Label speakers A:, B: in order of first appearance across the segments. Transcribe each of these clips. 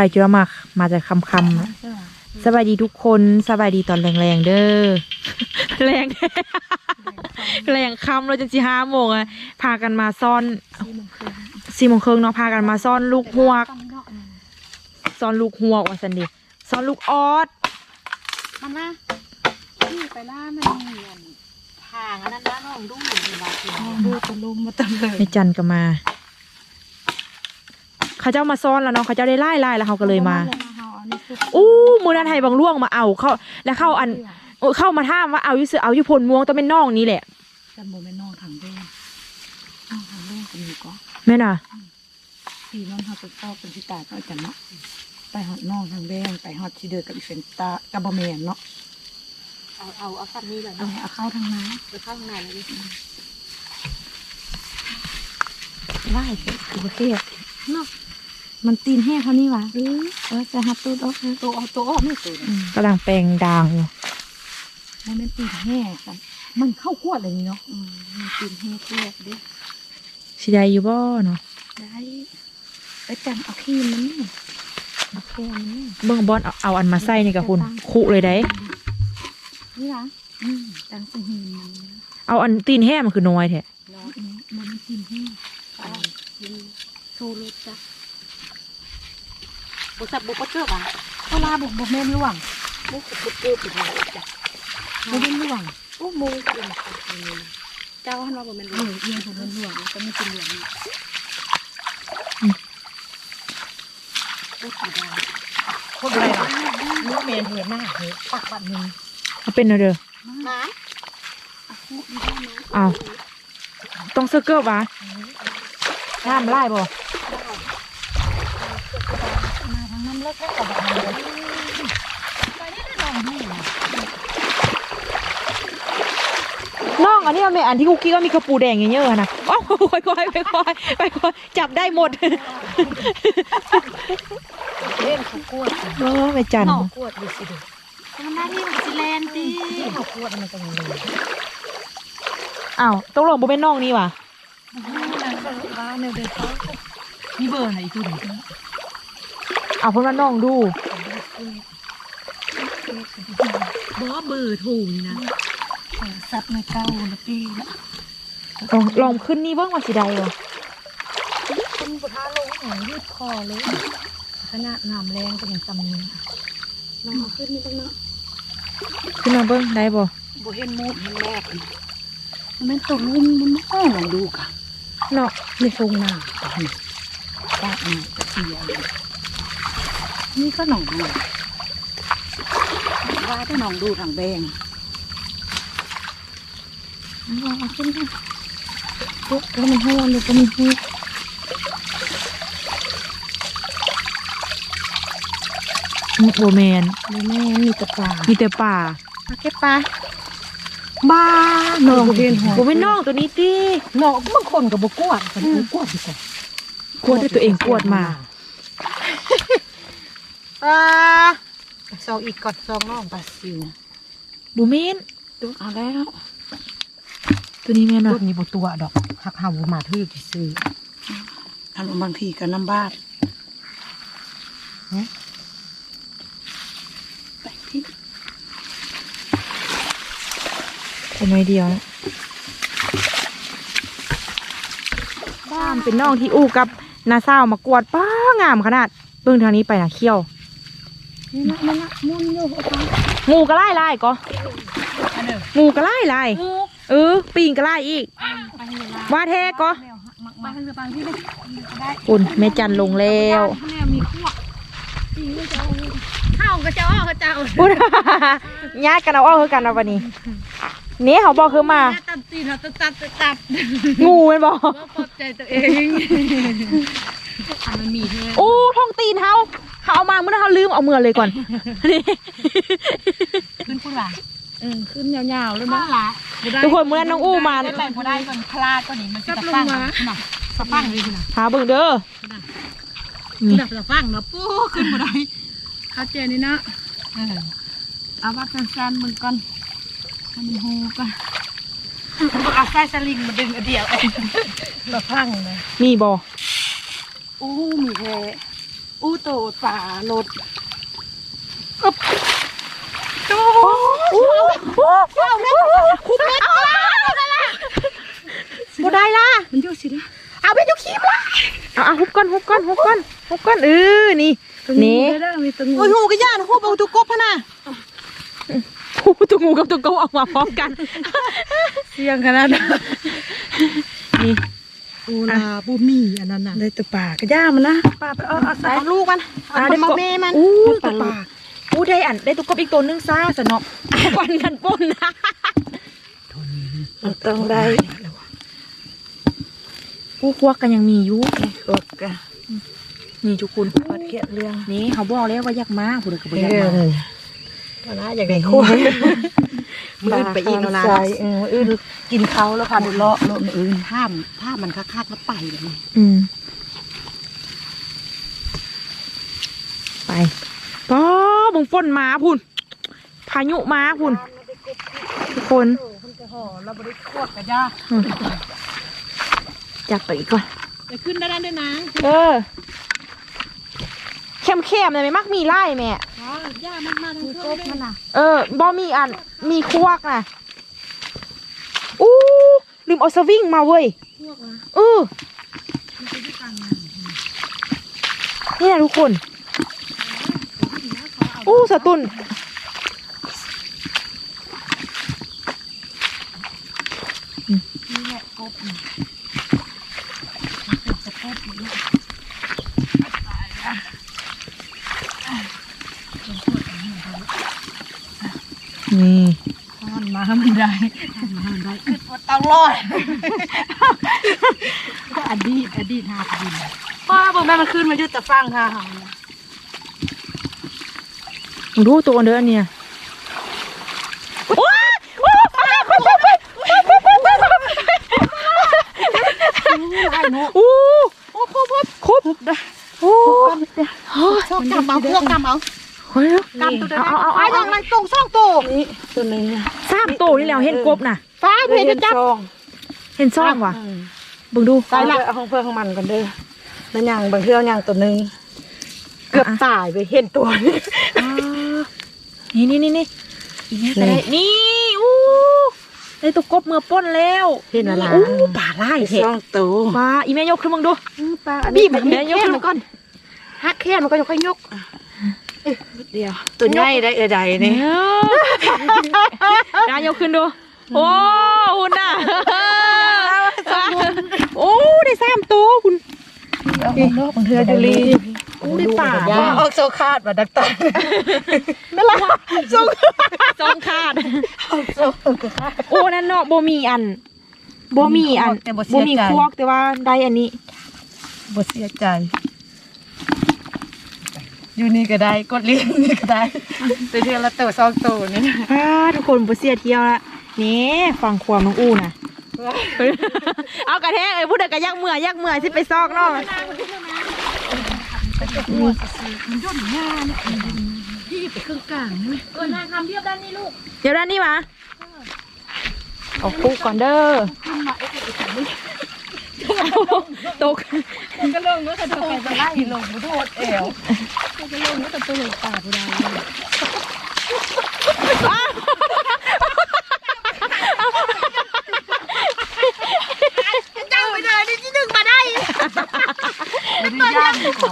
A: จุลมาจากคำนะสบายดีทุกคนสบายดีตอนแรงๆเด้อ แรงแรงคำเราจะ5 โมงอะพากันมาซ่อน4 โมงครึ่งเนาะพากันมาซ่อนลูกหวกซ่อนลูกหวกว่าสันดิซ่อนลูกออส
B: มันนะที่ไปล่ามันเหมือนทางอันนั้นนะน้องดูอยู่บ้านดูตะลุมมาตะเลย
A: ในจันก็มาเขาเจ้ามาซ่อนแล้วเนาะเขาเจ้าได้ไล่แล้วเขาก็เลยมาอู้มือนันไทยบางล่วงมาเอาเข้าแล้วเข้าอันเข้ามาท่ามว่าเอาอยู่เสือเอาอยู่พลม่วงต้องเป็นน่องนี้แหละ
B: จำโมเป็นน่องถังเด้งน่องถังเด้งก็มีก็
A: แม่น่ะ
B: สีน้องเขาจะชอบเป็นที่ตาเขาจะเนาะไปหอดน่องถังเด้งไปหอดชีเดอร์กับอีเฟนตากับบะเมียนเนาะเอาฟันนี่เลยเอาเข้าทางน้ำไปเข้าทางไหนเลยไล่คือประเทศเนาะมันตีนแห้งเขานี่วะจะหัดตัวออกตัวออกไม่ตัว
A: กำลังแปลงด่างอยู่
B: มันเป็นตีนแห้งมันเข้าขวดอะไรนี่เนาะมันตีนแห้งขวดดิ
A: สิได้อยู่บ่เนาะ
B: ได้ไปจังเอาขี้มันนี่เอาแค่มันนี่
A: เบิ่งบอลเอาอันมาใส่นี่กับคุณคุเลยได้
B: นี่ล่ะจังสิหิน
A: เอาอันตีนแห้งมันคือน้อยแท้
B: น้อยมันตีนแห้งโซโลจ้ะบุษบบุปเจ้าป่ะเวลาบุเมนล่วงบุบุเจ้าปิดเลยจ้ะบุเมนล่วงโอ้มูเจ้าฮันว่าบุเมนล่วงเอียงบุเมนล่วงก็ไม่กินล่วงพูดอะไรพูดอะไรล่ะนี่เมนเห็นหน้าเห็นปากบัดนึง
A: เอาเป็นเด้อ
B: มา
A: เอาต้องเสื้อเกิบวะน้ำไล่บ่
B: มาทางน้ำเลิกแค่กับแบบนี้ไปนี่ได้ลองดู
A: น้องอันนี้มันเป็นอันที่คุกกี้ก็มีกระปูแดงเยอะๆนะโอ้ค่อยจับได้หมด
B: เล่นเขากวด
A: ไปจัน
B: กวดดูสิดูมันหน้าที่มันจะแลนดีเขากวดมันจะยังไง
A: อ้าวต้องลงโบเป็นน้องนี่ว่ะ
B: ว่าเนยเดินเขานี่เบอร์ไหนตัวนี้
A: เอาเพื่อนมาน้องดู
B: เบอร์ถูกนะซับในเก้านาทีละ
A: ลองขึ้นนี่เบิ้งมาสิได้เหรอ
B: ขึ้นปะทะลงหางยืดคอเลยขนาดน้ำแรงก็ยังจำนี้ลองขึ้นนี่บ้างเนาะ
A: ขึ้นมาเบิ้งได้บ่
B: บ่เห็นมูดเห็นแรกมันตกลุ่มมันไม่ลองดูค่ะ
A: เนาะ
B: ไม่ทรงหน้าปากนี่เสียนี่ก็หนองดูว่าถ้าหนองดูทางแบงเอาขึ้นค่ะปุ๊บแล้วมันห้วนเลยก็มีหู
A: โบแมน
B: มีแต่ป่า
A: เก็บปลา
B: บ้าหนอง
A: โบเป็นน้องตัวนี้ดิ
B: หนองบางคนกับบกวดคนกวดดีกว่าก
A: วดด้วยตัวเองกวดมา
B: ซองอีกก่อนซองน้องปลาซิว
A: บูเมน
B: ตัวเอาแล้ว
A: ตัวนี้แม่น
B: ตัวนี้บตัวดอกหักหาบูมาทื่อที่ซื้ออารมณ์บางทีก็น้ำบ้านไปที่
A: เป็นน้อยเดียวบ้านเป็นน้องที่อู้กับนาซาวมากวดป้างามขนาดเบื้องทางนี้ไปนะเขี้ยว
B: นี่นะมุ่นอยู่
A: งูกระไล่ก็งูกระไล่ปีนกระไล่อีกว่าแท้ก็อุ่นแม่จันลงแล้ว
B: ข้าวกระเจ้า
A: อุ่นญาติกันเอาคือกันเอาวันนี้นี่เขาบอกคือมา
B: ตัดตีนเขาตัด
A: งูมันบอก
B: ปลอบใจตัวเองมันมี
A: โอ้ท้องตีนเขาเอามาเมื่อเขาลืมเอาเมื่อเลยก่อนนี่
B: ขึ้นพูดว่าขึ้นยาวๆเลยมั้งล่ะ
A: ทุกคนเมื่อน้องอู้มา
B: ได้ไปพอได้ก่อนคลาดก่อนนี่มันจะฟังนะสะฟังเลยนะ
A: หาเบิ่งเด้อ
B: นี่สะฟังนะปู้ขึ้นพอได้ข้าเจนี่นะเอาว่าสั้นๆมึงก่อนมันหูกันเอาไส้สลิงมาดึงเดียวสะฟังเลย
A: มีบ่
B: มีแค่อู้โตป่าโลดอึบโตคุบเม็ดบ่ได้ล่ะมันอยู่สิล่ะเอาไปอยู่ขี้ล่ะ
A: เอาฮุบก้อนนี่นี่
B: โอ้ยหูกระย่านหูเบาตุกบพะน่ะ
A: ฮูตัวงูกับตัวเกาออกมาพร้อมกัน
B: เสียงขนาดนั้นนี่อูลาบูมีอันนั้นน่ะได้ตัวป่ากระย่ามันนะป่าไปเอาใส่ลูกมันเอามาแม่มัน
A: ตัวป่าได้ตัวกบอีกตัวนึงซ่าสนอกวันกันป่นนะ
B: ต้องได้
A: ผู้ควักกันยังมีอยู่
B: ควักกัน
A: นี่ทุกคน
B: ปัดเขียนเรื่อง
A: นี่เขาบอกแล้วว่าอยากมาผู้ใดก็บ่อยากมา
B: นะอยากได้คู่มือไปอีกแล้วนะอื่นกินเขาแล้วค่ะเลาะอื่นถ้ามันคักๆแล้วไปแบบนี้
A: ไปป้อบึงฝนมาพุ่นพายุมาพุ่นทุกคน
B: เราบริโภคกันจ้า
A: จับไปอีกก่อน
B: ไปขึ้นได้ด้วยนะ
A: เข้มๆเลยไหมมักมีไล่แม่
B: ย่ามันมาทั้งเครื่องมันน่ะ
A: บ่มีอันมีควักน่ะอู้ลืมเอาสวิงมาเว้ยนี่นะทุกคนสตุน
B: นี่แหละกบ
A: นี่
B: มันมาไม่ได้ขึ้นต้องรอดก็อดีตหาดินพ่อบอกแม่มันขึ้นมายุติฟังค่ะ
A: มึงดูตัวเด้อเนี่ยคุบได้
B: ชอบกำเอาพวกกำเอากำตัวเดียวเอาอย่างไรตรงซ่องตัวนี่ตัวนึง
A: 3ตัวนี่แล้วเห็นกบน่ะ
B: ฟ้าเพื่อจะจับ
A: เห็นซ่องว่ะบึงดู
B: ใส่ละเอาของเพื่อนของมันกันเด้อแล้วอย่างบางเทื่ออย่างตัวนึงเกือบตายไปเห็นตัว
A: นี่นี่ได้ตัวกบเมื่อป้นแล้ว
B: เห็นอะไร
A: ป่าไล่เห็น
B: ซ่องตัว
A: ป่าอีแม่ยกขึ้นมึงดู
B: ป่าบีบแม่ยกขึ้นมันก่อนฮักแค่มันก็ค่อยยกเดียวตัวใหญ่ได้ใดนี่
A: ได้ยกขึ้นดูโอ้หุ่นน่ะโอ้ได้3ตัวคุณ
B: บางเทื่อจุลี
A: ได้ป่า
B: ออกโซคาดมาดักตาไม่ละ
A: โซคาดโอ้นั่นเนาะบ่มีควักแต่ว่าได้อันนี้
B: บ่เสียใจอยู่นี่ก็ได้กดเลี้ยงนี่ก็ได้ตัวเดียวละตัว2ตัวนี่
A: ทุกคนบ่เสียเที่ยวละนี่ฟังความน้องอู้น่ะเอากระแทกพูดแต่กระยักเมื่อยที่ไปซอกเนาะ
B: มันย่นหน้าเนี่ยพี่ไปเครื่องกลางนี่นางทำเทียบด้านนี้ลูก
A: เดี๋ยวด้านนี้มาเอาคู่ก่อนเด้อตก
B: ก็ลงเมื่อกระโดดไปไล่ลงไปโทษเอวก็ลงเมื่อกระโดดป่าผู้ใดเจ้าไปเลยนี่ที่1มาได้ไม่ได้ย่างของ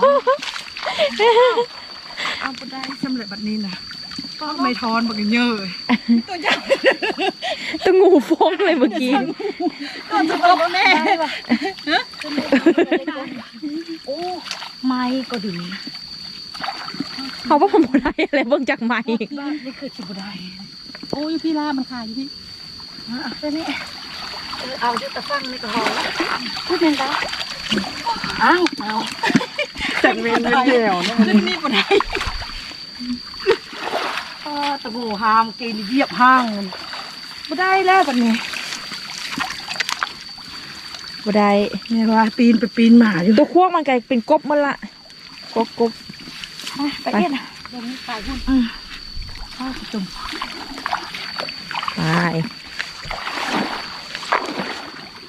B: เอาไปได้สำเร็จแบบนี้นะก็ไม่ทอนบักเยอะตัวใหญ่
A: ตัวงูฟงเลยเมื่อกี้
B: ตัวจะตกแน่โอ้ไม้ก็ดี
A: เขาว่าผมได้อะไรเบิ่งจากไม้
B: นี่คือชิบุได้โอ้ยพี่ล่ามันขายพี่ตัวนี้เอาจุดตะฟังนี่ก็พอพูดเองได้เอาแต่เมนเดียวนี่บุได้ตะโกหามกินเยียบห้างบุได้แล้วแบบนี้
A: บ่ได้
B: เนี่ยว่าปีนไปปีนหมาอยู่
A: ตัวควงมันกลายเป็นกบมันละกบ
B: ไปเอ็นเดี๋ยวนี้ตายหุ่นข้าวตุ่ม
A: ไป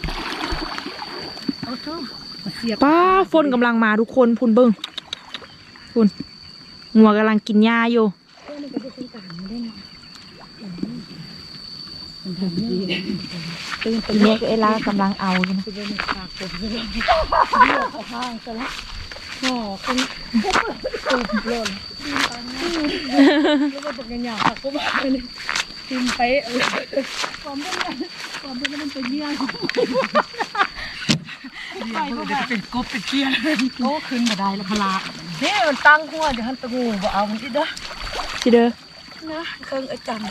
A: ป้าฝนกำลังมาทุกคนพุ่นเบิ้งคุณงัวกำลังกินหญ้าอยู่
B: มันก็จะเป็นต่างได้เนาะมันทำดีตื่น
A: ทีนี้ก็เอล่ากำลังเอาอยู่นะ
B: จะเป็นปากผมจะเป็นเลือดข้างซะแล้วหอคนตูบหล่นแล้วก็ตกหยาบๆก็มาเลยกินไปความเป็นมันเป็นเยี่ยงไปก็จะเป็นกบเป็นเกี้ยโอ้ขึ้นมาได้แล้วพลาเนี่ยมันตั้งหัวจะหันตะงูบ่เอามันอีกเด้อ
A: สิเด้อ
B: นะเครื่องไอ้จัน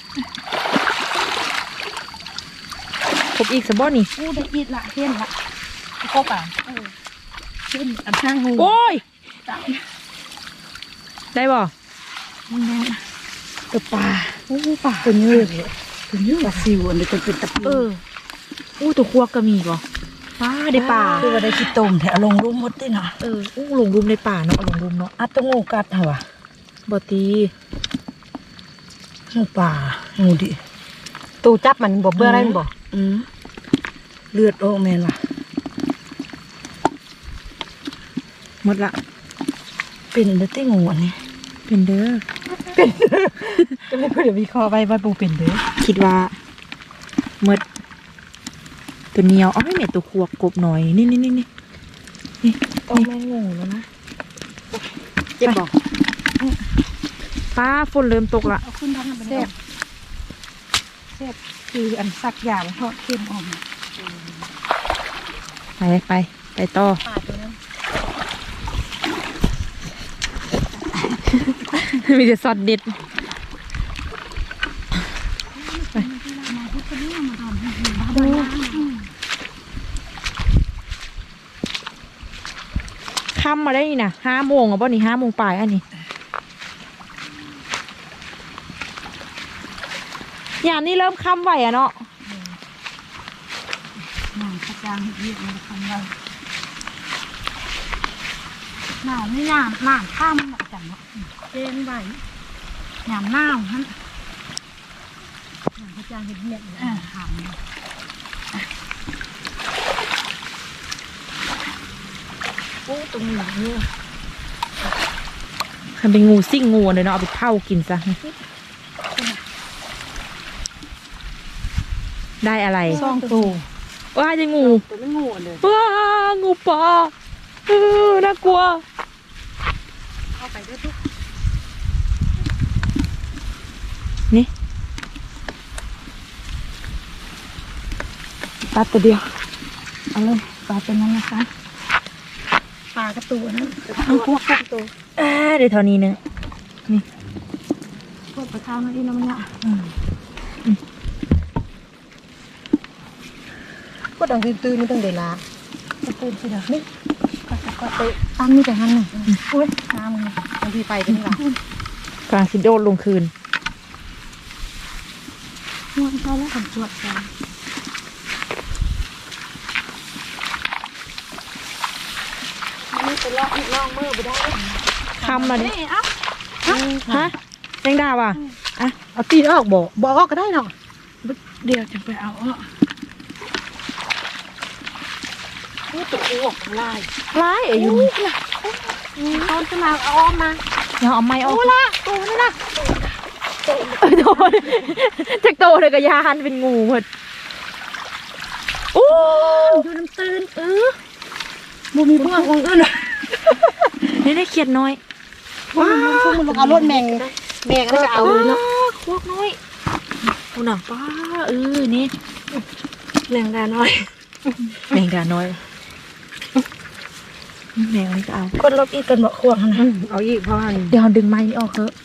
A: ครบอีกสะบ่นี่
B: กูได้อีกละเห็นละครบอ่ะเห็นอันช่างหู
A: โอ้ย
B: จับ
A: ได้บ่
B: มันแน่ตัวปลาโอ้ปลาตัวเยอะตัวเยอะปลาซิวอันนี้ตัวเป็นตะปู
A: อู้ตัวควกก็มีบ่ป้าได้ป่า
B: คือว่าได้ขี้ต้มแถวลงรูมหมดด้วยนะ
A: อู้หลงรุมในป่าเนาะหลงรุมเนาะ
B: อัดตะงูกัดเหรอวะ
A: บ่ตี
B: งูปลางูดิตูจับมันบ่เบื่ออะไรมันบ่เลือดโอ้แม่นว่ะ
A: หมดละ
B: เป็นเด้อติงูอันนี้
A: เป็นเด้อ
B: ก็เลยเดี๋ยววิเคราะห์ไว้ว่าปูเป็นเด้อ
A: คิดว่าหมดตัวเหนียวเอาให้แม่ตัวควกกบหน่อยนี่
B: ต้องแม่งูแล้วนะเจ็บบ่
A: ป้าฝนเริ่มตกละ
B: เอาขึ้นทางนั้นไปแซ่บแซ่บคืออันสักอย่างทอดเค็มอ่อม
A: ไปต่อ
B: ปลาตัวนั้น
A: มีแต่ซอสเด็ดค่ำมาได้นี่นะ5 โมงอ่ะบ่นี่5 โมงปลายอันนี้ยามนี้เริ่มค่ำไหวอ่ะเนาะ
B: หนังกระจางเห็ดเยี่ยมมันทำได้หนาวไม่หนาวหนาวข้ามหนักจังเนาะเจนใบหนาวหนาวฮะหนังกระจางเห็ดเยี่ยมเลยทำโอ้ตรงนี้เนี่ย
A: มันเป็นงูซิ่งงูเลยเนาะเอาไปเผากินซะได้อะไร
B: ซ่องตัว
A: ว่าจะงู
B: ตัวไม่งูเลย
A: ว้างูปลาน่ากลัว
B: เข้าไปได้ทุก
A: นี่ปลาตัวเดียว
B: เอาเลยปลาเป็นนั้นนะคะปลากระตัวนั้นพวกตัว
A: เดี๋ยวเท่านี้นึง
B: พวกปลาข้าวนั่นที่น้ำเนี่ยก็ดังตื่นๆนี่ต้องเดลาตื่นสิเด้อนี่ก็เตะตั้งนี่แต่หันหนึ่งอุ้ยน้ำมึงบางทีไปเป็นหลัง
A: กลางสิโดดลงคืน
B: ง่วงเขาแล้วผมตรวจกันนี่ไปลอกมือไปได้
A: คำมาดิ
B: นี่เอ้า
A: ฮะแมงดาว่ะ
B: เอาตีนออกบอกออกก็ได้เนาะเดี๋ยวจะไปเอาออกนี่ตัวออกลาย
A: ร้ายอายุ
B: ตอนจะมาเอาออกมา
A: เดี๋ยวเอาไม้ออก
B: โอ้ละตัวนี่นะ
A: โดนจากโตเลยกับยานเป็นงูหมดโอ้
B: ดูน้ำตื้นบูมีพวกของอื่น
A: นี่ได้เขียดน้อย
B: ว้าวมันลงเอารถแมงก็จะเอาเลยเนาะ
A: พวกน้อยคุณน่ะป้านี่
B: แรงดาน้อย
A: แมงดาน้อยแมงนี่ก็เอา
B: คนรบอีกกันบอกควงนะเอาอีกเพราะว่า
A: เดี๋ยวดึงไม้นี่ออกเถอะ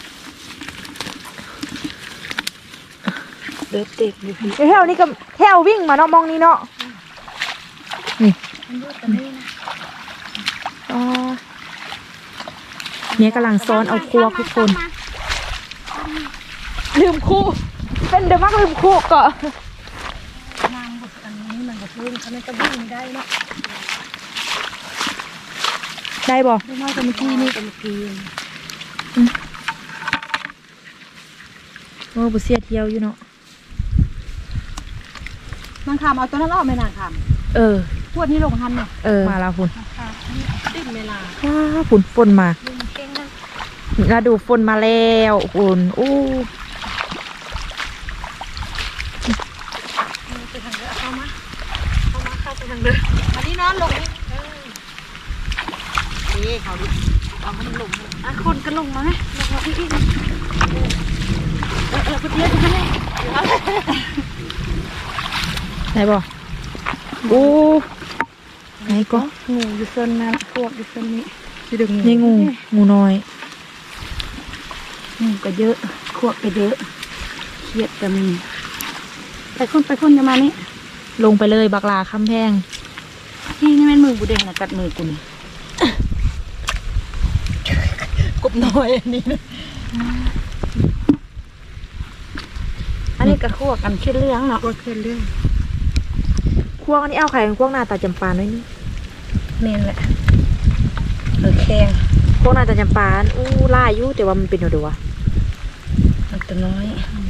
B: เดือดติดอยู่พี่
A: แถวนี้ก็แถววิ่งมาเนาะมองนี่เนาะนี่อ๋อเนี่ยกำลังซ้อนเอาครัวทุกคนลืมคู่เป็นเดมักลืมคู่ก็
B: นางบทอันนี้มันบทลื่นเขาไม่ก็วิ่งไม่ได้เนาะ
A: ได้บ่
B: ไม่น้อยกว่าเมื่อกี้นี่กับเมื่อกี้
A: โอ้บุเสียเที่ยวอยู่เนาะ
B: นางคำเอาตัวนั้นออกไหมนางคำ
A: เออ
B: พวดนี้ลงทันเนี่ย
A: มาแล้วคุณ
B: ติดเวลา
A: ว้าฝนฝนมา
B: ลุงเก่งนะ
A: ฤดูฝนมาแล้วฝนอู้
B: ไปทางเรือเข้ามาเข้าไปทางเรืออันนี้นอนลงนี่นี่เขาดิเอามันลงอ่ะคนก็ลงมาไหมลงมาพี่อีกไปเที่ยวกันเลย
A: ไหนบอกอู้ไหนก็
B: งูอยู่โซนนั้นพวกอยู่โซนนี้จะดึง
A: นี่งูน้อย
B: งูก็เยอะพวกก็เยอะเครียดก็มีไปคนจะมานี่
A: ลงไปเลยบักลาคำแพง
B: นี่แม่นมือบุเดงนะกัดมือกูนี่
A: กบน้อยอันนี้
B: อันนี้ก็คั่วกันขึ้นเรื่องเนาะขึ้นเรื่อง
A: ควงอันนี้เอาไข่ควงหน้าตาจำปาหน่อยนี่
B: นี่แหละแข็ง
A: ควงหน้าตาจำปาอู้ล่าอยู่แต่ว่ามันเป็นอยู่ดูวะ
B: มันตัวน้อย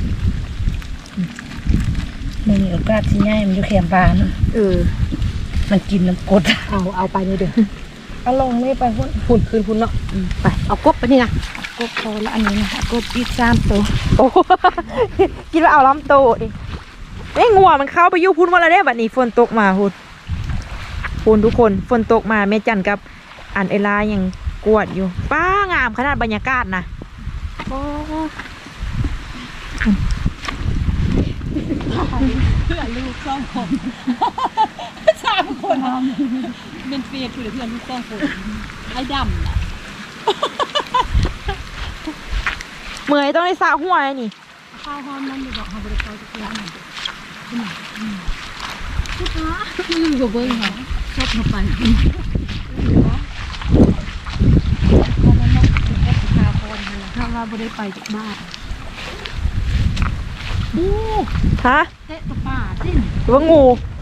B: มันมีโอกาสที่ง่ายมันอยู่แคมบาน มันกินน้ำกรดเอาไปนี่เด้อเอาลงนี่ไปหุ่นคืนหุ่นเนาะไปเอากบไปนี่นะกบพอละอันนี้นะกบอีก3 ตัว
A: โอ้ กินแล้วเอาล้ำโตดิเอ้ยงัวมันเข้าไปอยู่พุ่นวันละเด้บัดนี้ฝนตกมาพุ่นทุกคนฝนตกมาแม่จันกับอันเอลายังกวดอยู่ป้างามขนาดบรรยากาศนะโอ้
B: เพื่อนลูก2 คน3 คนเป็นเฟียดเพื่อนลูก2 คนไอ้ดำน่ะ
A: เมื่อยต้องได้สระหัวเลยนี่
B: ข้าวหอมมันบอกเขาบริการจะกินอะไรลูกค้าลืมกับเบิ้งเหรอชอบมาปั่นพอมันต้องแอปพาคนนะถ้าว่าบริไปจากบ้านอู้
A: ฮะ
B: เตะตัวป่าสิ
A: ว่างู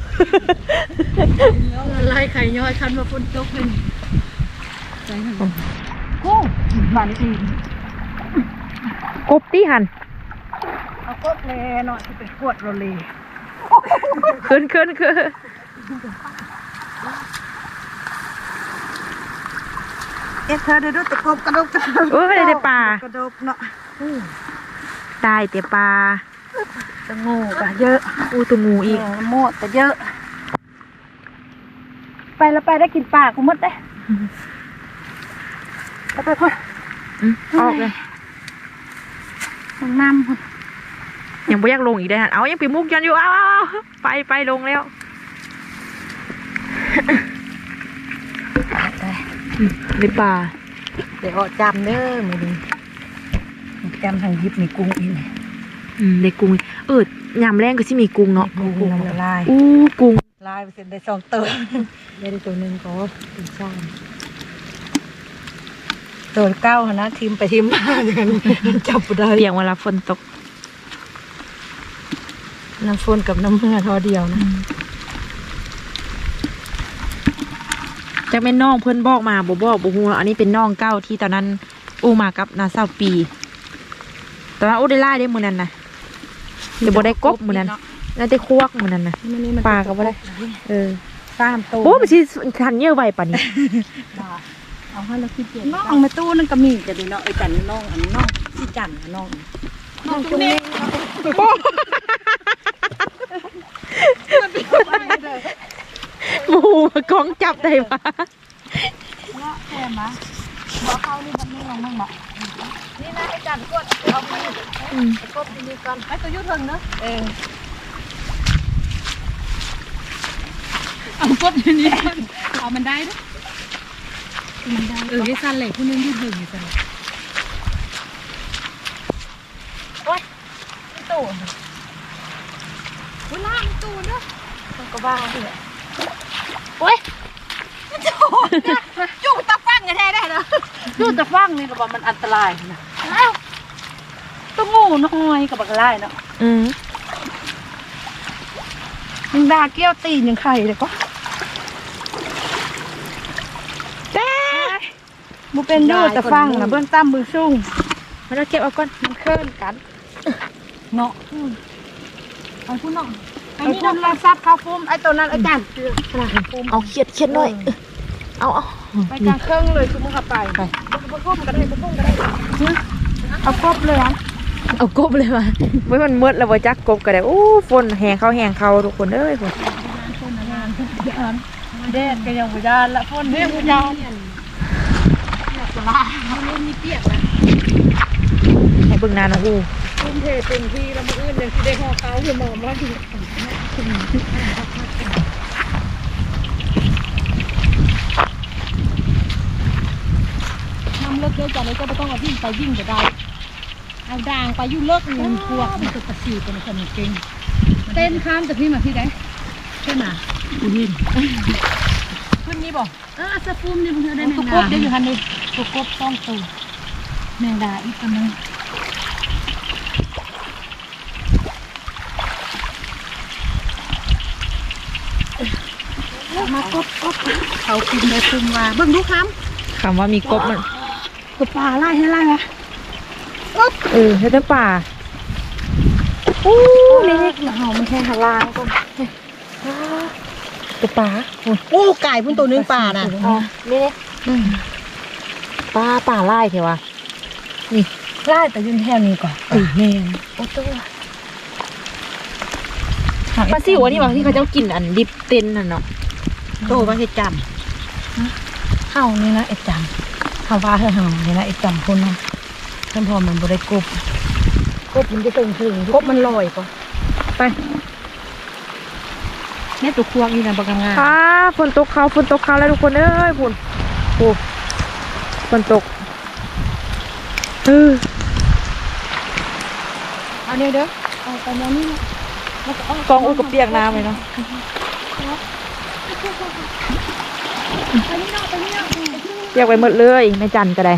B: แล้วไล่ไข่ย้อยคันมาฝนตกเลยใจหันโอ้บ้านนี้
A: กบที่หัน
B: เอากดเลยหน่อยที่เป็นขวดโรลี
A: ขึ้น
B: เอ๊ะเธอได้ดูตะกบกระดก
A: เออได้แต่ปลาก
B: ระดกเนาะ
A: ได้แต่ปลา
B: ตะงูก็เยอะ
A: อู้ตัวงูอีก
B: โมดก็เยอะ ไปแล้วไปได้กินปลากูหมดได้ไปพ่อ
A: ออกเลย
B: ต้องน้ำพ่อ
A: ยังไม่อยากลงอีกได้หันเอายังปีมุกยันอยู่เอาไปลงแล้วในป่า
B: เดี๋ยวจำเด้อมือนี้จำทางยิบมีกุ้งอีก
A: ในกุ้งยำแรงก็ที่มีกุ้งเนาะ
B: กุ้งน้ำลาย
A: อู้กุ้ง
B: ลายไปเสร็จได้2 ตัวได้ตัวหนึ่งก็เป็นซ้ำตัวเก้านะทีมไปทีมมาอย่างนั้นจับได้
A: เปียงเวลาฝนตก
B: น้ำฝนกับน้ำเมื่อทอเดียวนะ
A: จากแม่น้องเพื่อนบอกมาบอกฮูอันนี้เป็นน้องเก้าที่ตอนนั้นอู้มากับนาซาวปีตอนนั้นอู้ได้ไล่ได้มือนั้นนะเดี๋ยวบ่ได้กบมือนั้นน่าจะควกมือนั้นนะปลาก็บ่ได้
B: 3 ตัว
A: โอ้มันสิทันเยอะไวป่ะนี่
B: เอาให้เราคิดเจ็บน้องมาตู้นั่นก็มีจะดีเนาะไอ้จันน้องอันน้องที่จันน้องจุ๊เน่
A: หมูกองจับได้ปะ
B: ว่าแค่มาบอกเขานี่มันนี่ลงมั่งบอกนี่นะไอ้จันกดเอาไปกดที่นี่ก่อนไอ้ตัวยุทธเนอะเอากดที่นี่ก่อนเอามันได้ด้วยมันได้ไอ้ซันเหล็กผู้นึงยืดหยุ่นอยู่ซันโอ๊ยตู้เวลาตู้เนอะต้องก็บ้าเลยโอ๊ยจุกตะฟังกันแท้ได้เนาะจุกตะฟังนี่ก็บอกมันอันตรายนะต้องงูน้อยกับบักไล่เนาะมึงด่าเกี้ยวตีนยังไข่เลยก็บุเป็นยูตะฟังนะเบื้องตั้มมือซุ่ง
A: มาเราเก็บเอาก่อน
B: มันเคลื่อนกันเนาะเอาคุณเนาะไอ้นี่เราซับข้าวฟุ้มไอ้ตัวนั้นอาจารย์
A: เอาเขียดหน่อยเอา
B: ไปกลางเครื่องเลยคือมึงขับไปบ่ครบก็ได้บ่ครบก็ได้เอาครบเลยอ่ะ
A: เอากบเลยมาไว้มันมืดแล้วบ่จักกบก็ได้โอ้ฝนแหงเข้าทุกคนเอ้ยฝน
B: แดดก็ยังบ่ยานละฝนเด้บ่ยานสลาเล่นนี่เปียกนะ
A: ให้เบิ่งหน้าน้องอู
B: ทุ่มเทเต็มที่แล้วมื้ออื่นยังสิได้ห่อเกาอยู่หมอมว่าอยู่ทำเลิกเยอะจังเลยก็ไม่ต้องเอาวิ่งไปวิ่งก็ได้เอาด่างไปยุ่เลิกเงินพวกมันจะตะสีเป็นคนเก่งเต้นข้ามจากพี่มาที่ไหนใช่ไหมกูยินขึ้นนี่บ่สะฟูมนี่มึงได้แมงดาตุ๊กบได้อยู่คันนี้ตุ๊กบต้องตัวแมงดาอีกตัวนึงมากบเขากินได้คุมว่าเบิ่งดูคำ
A: ว่ามีกบมัน
B: กบปลาไล่ให้ไล่ไหม
A: เฮ็ดแต่ป่าโอ้นี่
B: เห่าไม่ใช่หาลายก็
A: ตัวป่า
B: โอ้ไก่พุ่นตัวนึงป่าน่ะ
A: นี่ป่าไล่เถอะวะ
B: นี่ไล่แต่ยืนแถวนี้ก่อนแม่โอ้ตัว
A: ปลาซิวอันนี้บางที่เขาเจ้ากินอันดิบเต้นน่ะเนาะ
B: โตว่าเห็ดจำเข้านี่นะเอ็ดจำเข้าว่าเห่านี่นะเอ็ดจำคนนะท่านพอมันบริกบมันจะถึงกบมันลอยก่อนไปเนี่ยตัวควงนี่นะบางงาน
A: ฝนตกเขาแล้วทุกคนเอ้ยฝนฝนตก
B: เอาเนี่ยเด้อเอาไปแล้วนี่นะ
A: กองอูกับเปียกน้ำเลยเนาะเปียกไปหมดเลยไม่จันก็ได้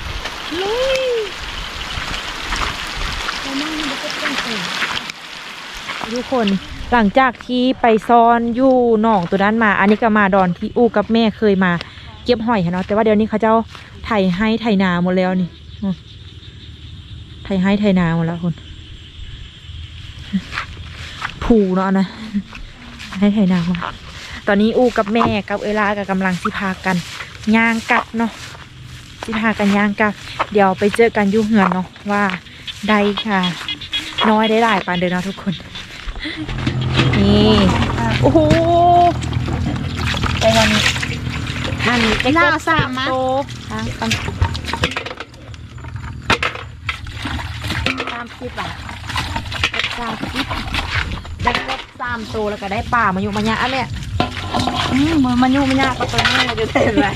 A: ทุกคนหลังจากที่ไปซ้อนอยู่หนองตัวนั้นมาอันนี้ก็มาดอนที่อูกับแม่เคยมาเก็บหอยเนาะแต่ว่าเดี๋ยวนี้เขาเจ้าไถให้ไถนาหมดแล้วนี่ไถให้ไถนาหมดแล้วคนผูเนาะนะให้ไถนาหมดตอนนี้อูกับแม่กับเอลากับกำลังสิพากันย่างกัดเนาะสิพากันย่างกัดเดี๋ยวไปเจอกันยุ่งเหือนเนาะว่าได้ค่ะน้อยได้หลายปานเดินเนาะทุกคนนี่โอ้โหไปวันนี้นั่นได้กบ3 โต30 บาท30ได้กบ3 โตแล้วก็ได้ป่ามาอยู่มายะแม่
B: มันยุ่งไม่ยากก็ตัวนี้จะเต็มเลย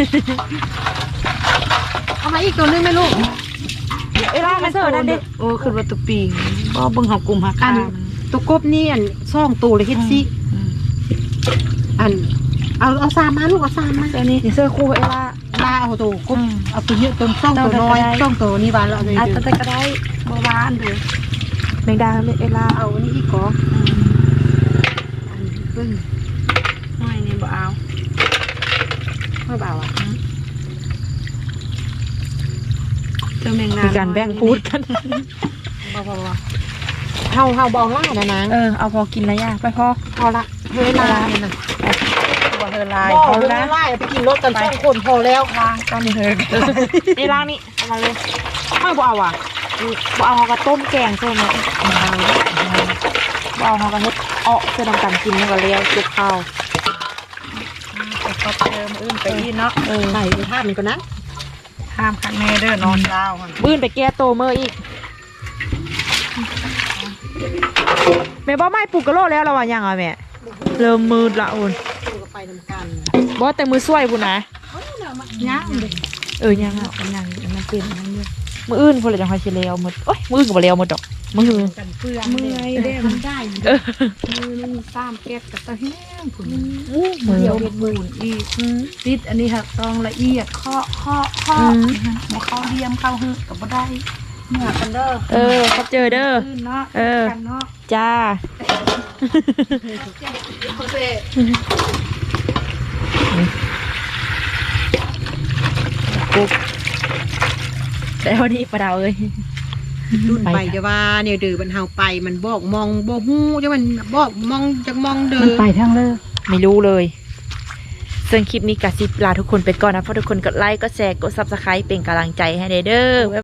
B: เอามาอีกตัวนึงไหมลูก
A: เวลามาเสิร์ฟนั่นดิ
B: โอ้คือว่าตุปีก็เบิ่งหากลุ่มหากันตุกบนี่อันซ่องตูเลยเฮ็ดซิอันเอา3 มาลูกเอา3 มา
A: ตัวนี้เสื้อคู่เอล่า
B: มาเอาตัวกบเอาตัวเยอะตัวซ่องตัวน้อยซ่องตัวนี้บานแล้วเลย
A: แต่ก็ได้เมื่อวานดูแมงดาเอล่า
B: เอาอันนี้อีกก่อนอันเบิ่ง
A: ห้อยนี่บ่เอา
B: ไม่เบาอ่ะ
A: เจอแมงดาการแบ่งฟูดกัน
B: เบาเฮาเบาล่านะนาง
A: เอาพอกินแล้วย่าไป
B: พอละเฮลาเนี่ยนะ
A: บ่เฮลาย
B: พอแล้วไล่ไปกินรถกัน2 คนพอแล้ว
A: ล้างกันเฮนี่ล้างนี่เอามาเลยไม่บ่เอาอ่ะบ่เอาเขาก็ต้มแกงใช่ไหมบ่เอาเขาก็เฮ็ดเพื่อทำการกินแล้วก็เลี้ยวจุกข้าว
B: ก็เติมอื่นไปอีเนาะใส่ท่ามันก็นะ
A: ห้ามคักแม่เด้อนอนดาวอื่นไปแก้โตเมื่ออีกแม่บ่ไม่ปลูกกระโลแล้วเราว่ายังอ่ะแม่เริ่มมืดละอุ่น
B: ไปทำกัน
A: บ่แต่มือสวยพุ่นนะ
B: ย่าง
A: ยังอ่ะยังมันเป็นนั่นเยอะมืออื่นพุ่นเลยจังค่อยสิแล้วหมดโอ๊ยมือก็บ่แล้วหมดดอกมือ
B: เมื่อยเด้มันได้มือมัน3 แก๊สกับตะแห้งพุ่น
A: มือ
B: เดียวเฮ็ดบุญอีกติดอันนี้ค่ะต้องละเอียดเคาะบ่เข้าเดียมเข้าหื้อก็บ่ได้เมื่อกันเด้อ
A: เขาเจอเด้อจ้าแล้วนี่ปลาดาวเอ้ย
B: รุ่นไปจะว่าเนี่ยดื้อมันเฮาไปมันบอกมองบ่ฮู้จะมันบอกมองจักมองเด้อมันไปทางเลย
A: ไม่รู้เลยซึ่งคลิปนี้กะสิลาทุกคนไปก่อนนะเพราะทุกคนกดไลค์กดแชร์กด Subscribe เป็นกำลังใจให้เด้อ